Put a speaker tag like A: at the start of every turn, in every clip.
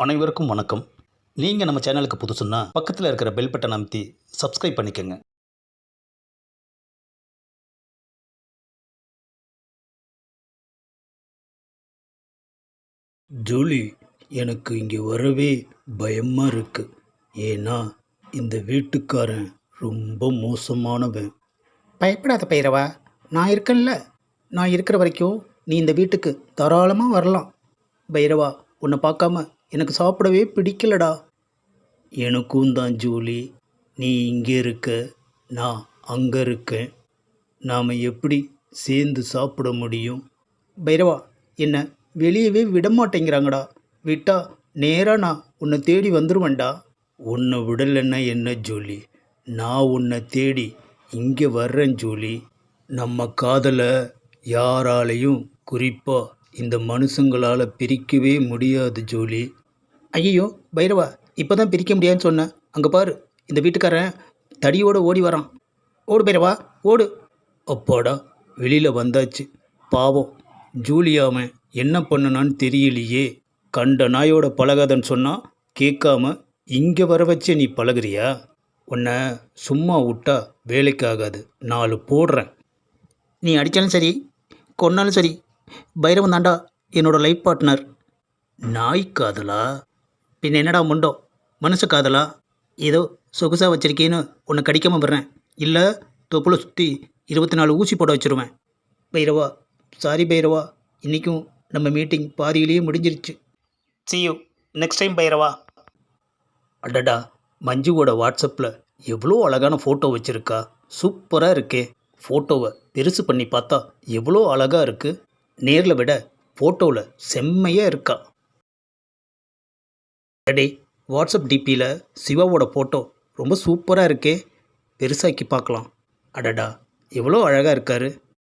A: அனைவருக்கும் வணக்கம். நீங்கள் நம்ம சேனலுக்கு புதுசுன்னா பக்கத்தில் இருக்கிற பெல் பட்டன் அமைத்தி சப்ஸ்கிரைப் பண்ணிக்கோங்க. ஜூலி, எனக்கு இங்கே வரவே பயமாக இருக்கு. ஏன்னா இந்த வீட்டுக்காரன் ரொம்ப மோசமானவன்.
B: பயப்படாத பைரவா, நான் இருக்கேன்ல. நான் இருக்கிற வரைக்கும் நீ இந்த வீட்டுக்கு தாராளமாக வரலாம். பைரவா, உன்னை பார்க்காம எனக்கு சாப்பிடவே பிடிக்கலடா.
A: எனக்கும் தான் ஜூலி. நீ இங்கே இருக்க, நான் அங்கே இருக்கேன். நாம் எப்படி சேர்ந்து சாப்பிட முடியும்?
B: பைரவா, என்னை வெளியவே விட மாட்டேங்கிறாங்கடா. விட்டா நேராக நான் உன்னை தேடி வந்துடுவேன்டா.
A: உன்னை விடலைன்னா என்ன ஜூலி? நான் உன்னை தேடி இங்கே வர்றேன் ஜூலி. நம்ம காதலை யாராலையும், குறிப்பாக இந்த மனுஷங்களால் பிரிக்கவே முடியாது ஜூலி.
B: ஐயோ பைரவா, இப்போ தான் பிரிக்க முடியாதுன்னு சொன்னேன். அங்கே பாரு, இந்த வீட்டுக்காரன் தடியோடு ஓடி வரான். ஓடு பைரவா, ஓடு.
A: அப்பாடா, வெளியில் வந்தாச்சு. பாவம் ஜூலியாவன் என்ன பண்ணனான்னு தெரியலையே. கண்ட நாயோட பழகாதன்னு சொன்னால் கேட்காம இங்கே வர வச்சு நீ பழகுறியா? உன்னை சும்மா விட்டா வேலைக்காகாது. 4 போடுறேன்.
B: நீ அடித்தாலும் சரி, கொன்னாலும் சரி, பைரவன் தாண்டா என்னோட லைஃப் பார்ட்னர்.
A: நாய் காதலா?
B: பின்ன என்னடா முண்டோ, மனுஷ காதலா? ஏதோ சொகுசாக வச்சிருக்கேன்னு உன்னை கடிக்காமல் விடுறேன். இல்லை தொப்புளை சுற்றி 24 ஊசி போட வச்சுருவேன். பைரவா, சாரி பைரவா, இன்றைக்கும் நம்ம மீட்டிங் பாதியிலேயே முடிஞ்சிருச்சு. See you next time Bairavaa.
A: அடடா, மஞ்சுவோட வாட்ஸ்அப்பில் எவ்வளோ அழகான ஃபோட்டோ வச்சுருக்கா. சூப்பராக இருக்கே. ஃபோட்டோவை பெருசு பண்ணி பார்த்தா எவ்வளோ அழகாக இருக்குது. நேரில் விட ஃபோட்டோவில் செம்மையாக இருக்கா. அடே, வாட்ஸ்அப் டிபியில் சிவாவோட ஃபோட்டோ ரொம்ப சூப்பராக இருக்கே. பெருசாக்கி பார்க்கலாம். அடடா, எவ்வளோ அழகாக இருக்கார்.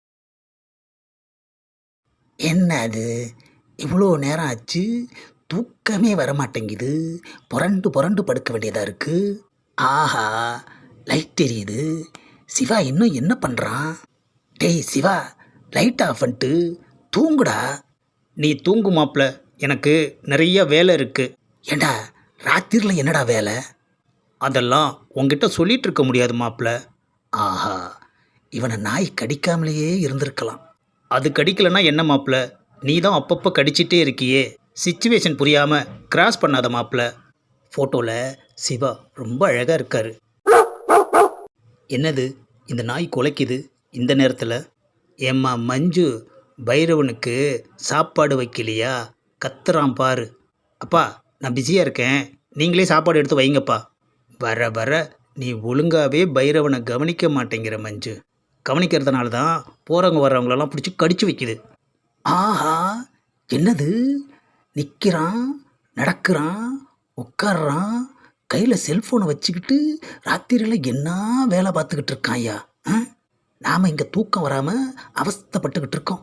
B: என்ன அது, இவ்வளோ நேரம் ஆச்சு, தூக்கமே வரமாட்டேங்குது. புரண்டு புரண்டு படுக்க வேண்டியதாக இருக்குது. ஆஹா, லைட் தெரியுது. சிவா இன்னும் என்ன பண்ணுறான்? டேய் சிவா, லைட் ஆஃப் பண்ணிட்டு தூங்குடா.
A: நீ தூங்கு மாப்ள, எனக்கு நிறைய வேலை இருக்குது.
B: ஏண்டா, ராத்திரியில் என்னடா வேலை?
A: அதெல்லாம் உங்ககிட்ட சொல்லிகிட்டு இருக்க முடியாது மாப்ள.
B: ஆஹா, இவனை நாய் கடிக்காமலேயே இருந்திருக்கலாம்.
A: அது கடிக்கலைன்னா என்ன மாப்ள? நீ தான் அப்பப்போ கடிச்சிட்டே இருக்கியே. சிச்சுவேஷன் புரியாமல் கிராஸ் பண்ணாத மாப்ள. ஃபோட்டோவில் சிவா ரொம்ப அழகாக இருக்கார். என்னது இந்த நாய் குலைக்குது இந்த நேரத்தில்? ஏம்மா மஞ்சு, பைரவனுக்கு சாப்பாடு வைக்கலையா? கத்துறான் பாரு. அப்பா, நான் பிஸியாக இருக்கேன், நீங்களே சாப்பாடு எடுத்து வைங்கப்பா. வர வர நீ ஒழுங்காகவே பைரவனை கவனிக்க மாட்டேங்கிற மஞ்சு. கவனிக்கிறதுனால தான் போகிறவங்க வர்றவங்களெல்லாம் பிடிச்சி கடிச்சு வைக்குது.
B: ஆஹா, என்னது, நிற்கிறான், நடக்கிறான், உட்கார்றான், கையில் செல்ஃபோனை வச்சுக்கிட்டு ராத்திரியில் என்ன வேலை பார்த்துக்கிட்டு இருக்கான் ஐயா. நாம் இங்கே தூக்கம் வராமல் அவஸ்தைப்பட்டுக்கிட்டு இருக்கோம்.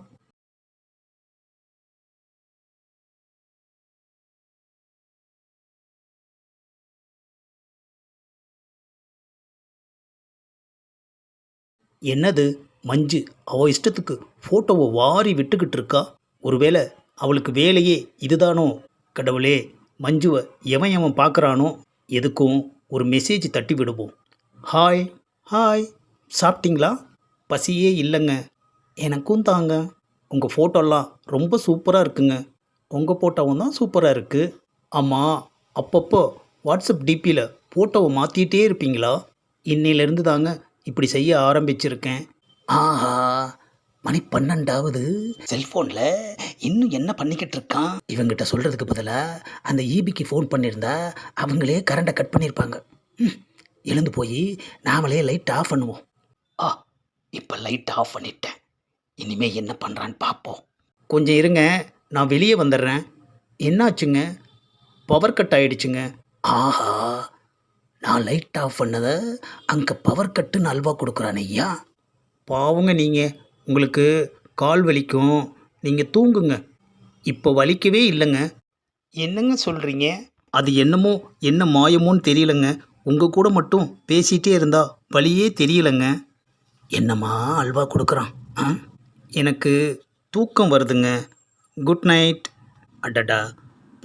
A: என்னது மஞ்சு அவள் இஷ்டத்துக்கு ஃபோட்டோவை வாரி விட்டுக்கிட்டு இருக்கா? ஒருவேளை அவளுக்கு வேலையே இதுதானோ? கடவுளே, மஞ்சுவை எவன் பார்க்குறானோ? எதுக்கும் ஒரு மெசேஜ் தட்டி விடுவோம். ஹாய் ஹாய், சாப்பிட்டீங்களா? பசியே இல்லைங்க. எனக்கும் தாங்க. உங்கள் ஃபோட்டோலாம் ரொம்ப சூப்பராக இருக்குங்க. உங்கள் ஃபோட்டோவும் தான் சூப்பராக இருக்குது. ஆமாம், அப்பப்போ வாட்ஸ்அப் டிபியில் ஃபோட்டோவை மாற்றிட்டே இருப்பீங்களா? இன்னிலேருந்து தாங்க இப்படி செய்ய ஆரம்பிச்சிருக்கேன்.
B: ஆஹா, மணி 12ஆவது. செல்ஃபோனில் இன்னும் என்ன பண்ணிக்கிட்டு இருக்கான்? இவங்கிட்ட சொல்கிறதுக்கு பதிலாக அந்த ஈபிக்கு ஃபோன் பண்ணியிருந்தா அவங்களே கரண்டை கட் பண்ணியிருப்பாங்க. எழுந்து போய் நாமளே லைட் ஆஃப் பண்ணுவோம். இப்போ லைட் ஆஃப் பண்ணிட்டேன். இனிமேல் என்ன பண்ணுறான்னு பார்ப்போம்.
A: கொஞ்சம் இருங்க, நான் வெளியே வந்துடுறேன். என்னாச்சுங்க? Power cut ஆகிடுச்சுங்க.
B: ஆஹா, நான் லைட் ஆஃப் பண்ணதை அங்கே பவர் கட்டுன்னு அல்வா கொடுக்குறான் ஐயா.
A: பாவங்க நீங்கள், உங்களுக்கு கால் வலிக்கும், நீங்கள் தூங்குங்க. இப்போ வலிக்கவே இல்லைங்க.
B: என்னங்க சொல்கிறீங்க?
A: அது என்னமோ என்ன மாயமோன்னு தெரியலங்க. உங்கள் கூட மட்டும் பேசிகிட்டே இருந்தா வலியே தெரியலைங்க.
B: என்னம்மா அல்வா கொடுக்குறான்?
A: எனக்கு தூக்கம் வருதுங்க. Good night. அடடா,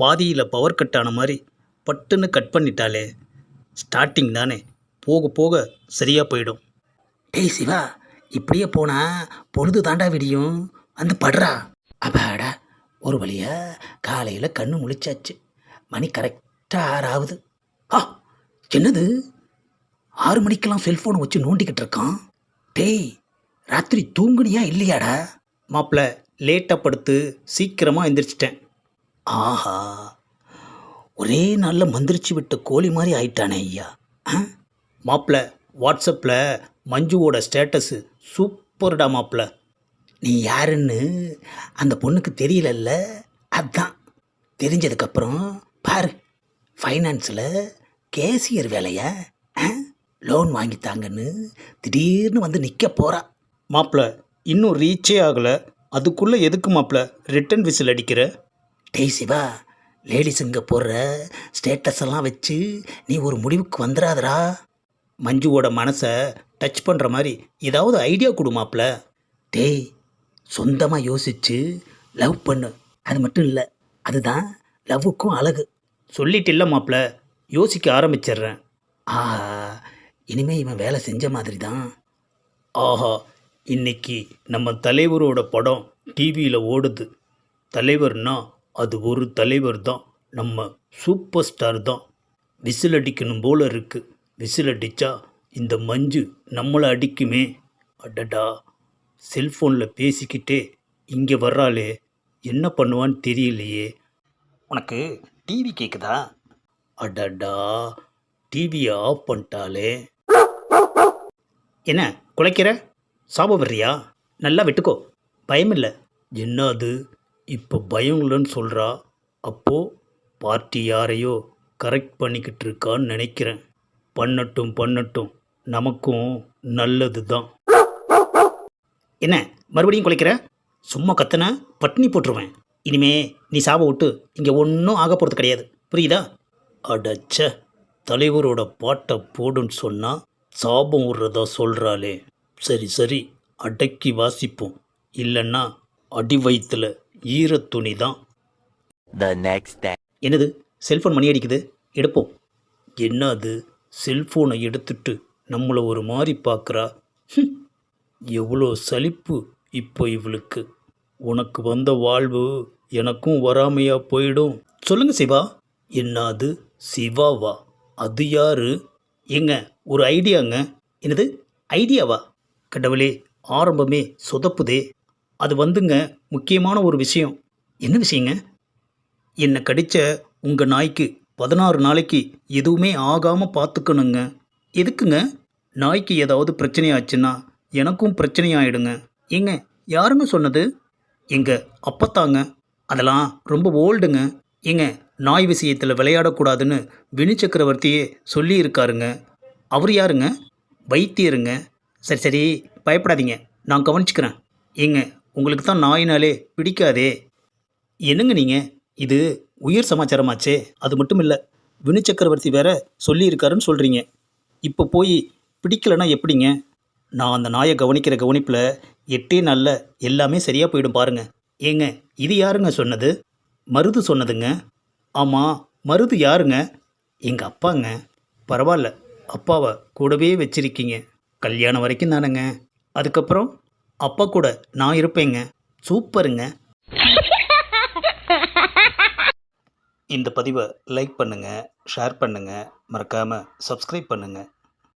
A: பாதியில் பவர் கட் ஆன மாதிரி பட்டுன்னு கட் பண்ணிட்டாலே. ஸ்டார்டிங் தானே, போக போக சரியாக போயிடும்.
B: டேய் சிவா, இப்படியே போனா பொழுது தாண்டா விடியும். வந்து படுறா. அப்பாடா, ஒரு வழியா காலையில் கண்ணு முழிச்சாச்சு. மணி கரெக்டாக 6 ஆகுது. ஆ, என்னது 6 மணிக்கெல்லாம் செல்ஃபோனை வச்சு நோண்டிக்கிட்டு இருக்கான். டேய், ராத்திரி தூங்குனியா இல்லையாடா?
A: மாப்பிள்ள லேட்டாக படுத்து சீக்கிரமாக எந்திரிச்சிட்டேன்.
B: ஆஹா, ஒரே நாளில் மந்திரிச்சு விட்ட கோழி மாதிரி ஆயிட்டானே ஐயா.
A: மாப்பிள்ள வாட்ஸ்அப்பில் மஞ்சுவோட ஸ்டேட்டஸு சூப்பர்டா மாப்பிள்ள.
B: நீ யாருன்னு அந்த பொண்ணுக்கு தெரியலல்ல? அதான் தெரிஞ்சதுக்கப்புறம் பாரு, ஃபைனான்ஸில் கேசியர் வேலையா, லோன் வாங்கித்தாங்கன்னு திடீர்னு வந்து நிற்க போகிறா.
A: மாப்பிள்ள இன்னும் ரீச்சே ஆகலை, அதுக்குள்ளே எதுக்கு மாப்பிள்ள ரிட்டன் விசில் அடிக்கிற?
B: டேய் சிவா, லேடிஸுங்க போடுற ஸ்டேட்டஸ் எல்லாம் வச்சு நீ ஒரு முடிவுக்கு வந்துடாதடா.
A: மஞ்சுவோட மனசை டச் பண்ணுற மாதிரி ஏதாவது ஐடியா கொடு மாப்பிள்ள.
B: டேய், சொந்தமாக யோசிச்சு லவ் பண்ணு. அது மட்டும் இல்லை, அதுதான் லவ்வுக்கும் அழகு.
A: சொல்லிட்டு இல்லை மாப்பிள்ள, யோசிக்க ஆரம்பிச்சிடுறேன்.
B: ஆஹா, இனிமே இவன் வேலை செஞ்ச மாதிரி தான்.
A: ஆஹா, இன்னைக்கு நம்ம தலைவரோட படம் டிவியில் ஓடுது. தலைவர்னா அது ஒரு தலைவர் தான், நம்ம சூப்பர் ஸ்டார் தான். விசில் அடிக்கணும் போல இருக்கு. விசில் அடித்தா இந்த மஞ்சு நம்மளை அடிக்குமே. அடடா, செல்ஃபோனில் பேசிக்கிட்டே இங்கே வர்றாளே, என்ன பண்ணுவான்னு தெரியலையே.
B: உனக்கு டிவி கேட்குதா?
A: அடடா, டிவியை ஆஃப் பண்ணிட்டாலே. என்ன குலைக்கிற? சாப வர்றியா? நல்லா விட்டுக்கோ, பயமில்லை. என்ன அது இப்போ பயம் இல்லைன்னு சொல்கிறா? அப்போது பார்ட்டி யாரையோ கரெக்ட் பண்ணிக்கிட்டு இருக்கான்னு நினைக்கிறேன். பண்ணட்டும் பண்ணட்டும், நமக்கும் நல்லது தான். என்ன மறுபடியும் குலைக்கிற? சும்மா கத்தனை பட்னி போட்டுருவேன். இனிமே நீ சாப விட்டு இங்கே ஒன்றும் ஆக போகிறது கிடையாது, புரியுதா? அடச்ச, தலைவரோட பாட்டை போடுன்னு சொன்னால் சாபம் விடுறதா சொல்கிறாளே. சரி சரி, அடக்கி வாசிப்போம், இல்லைன்னா அடி வயிற்றுல ஈரத்துணி தான். என்னது செல்ஃபோன் மணி அடிக்குது, எடுப்போம். என்ன அது, செல்ஃபோனை எடுத்துட்டு நம்மளை ஒரு மாதிரி பார்க்குறா. எவ்வளோ சலிப்பு இப்போ இவளுக்கு. உனக்கு வந்த வாழ்வு எனக்கும் வராமையா போயிடும். சொல்லுங்க சிவா. என்ன அது சிவாவா? அது யாரு? ஏங்க ஒரு ஐடியாங்க. என்னது ஐடியாவா? கடவுளே, ஆரம்பமே சொதப்புதே. அது வந்துங்க முக்கியமான ஒரு விஷயம். என்ன விஷயங்க? என்னை கடித்த உங்கள் நாய்க்கு 16 நாளைக்கு எதுவுமே ஆகாமல் பார்த்துக்கணுங்க. எதுக்குங்க? நாய்க்கு ஏதாவது பிரச்சனை ஆச்சுன்னா எனக்கும் பிரச்சனை ஆகிடுங்க. ஏங்க யாருங்க சொன்னது? எங்கள் அப்பத்தாங்க. அதெல்லாம் ரொம்ப ஓல்டுங்க. ஏங்க நாய் விஷயத்தில் விளையாடக்கூடாதுன்னு வினு சக்கரவர்த்தியே சொல்லியிருக்காருங்க. அவர் யாருங்க? வைத்தியருங்க. சரி சரி, பயப்படாதீங்க, நான் கவனிச்சுக்கிறேன். ஏங்க உங்களுக்கு தான் நாயினாலே பிடிக்காதே. என்னங்க நீங்கள், இது உயிர் சமாச்சாரமாச்சே. அது மட்டும் இல்லை, வினு சக்கரவர்த்தி வேற சொல்லியிருக்காருன்னு சொல்கிறீங்க. இப்போ போய் பிடிக்கலைன்னா எப்படிங்க? நான் அந்த நாயை கவனிக்கிற கவனிப்பில் 8 நாளில் எல்லாமே சரியாக போயிடும் பாருங்க. ஏங்க இது யாருங்க சொன்னது? மருது சொன்னதுங்க. ஆமாம், மருது யாருங்க? எங்கள் அப்பாங்க. பரவாயில்ல, அப்பாவை கூடவே வச்சிருக்கீங்க. கல்யாணம் வரைக்கும் தானேங்க, அதுக்கப்புறம் அப்பா கூட நான் இருப்பேங்க. சூப்பருங்க. இந்த பதிவை லைக் பண்ணுங்கள், ஷேர் பண்ணுங்கள், மறக்காமல் சப்ஸ்கிரைப் பண்ணுங்கள்.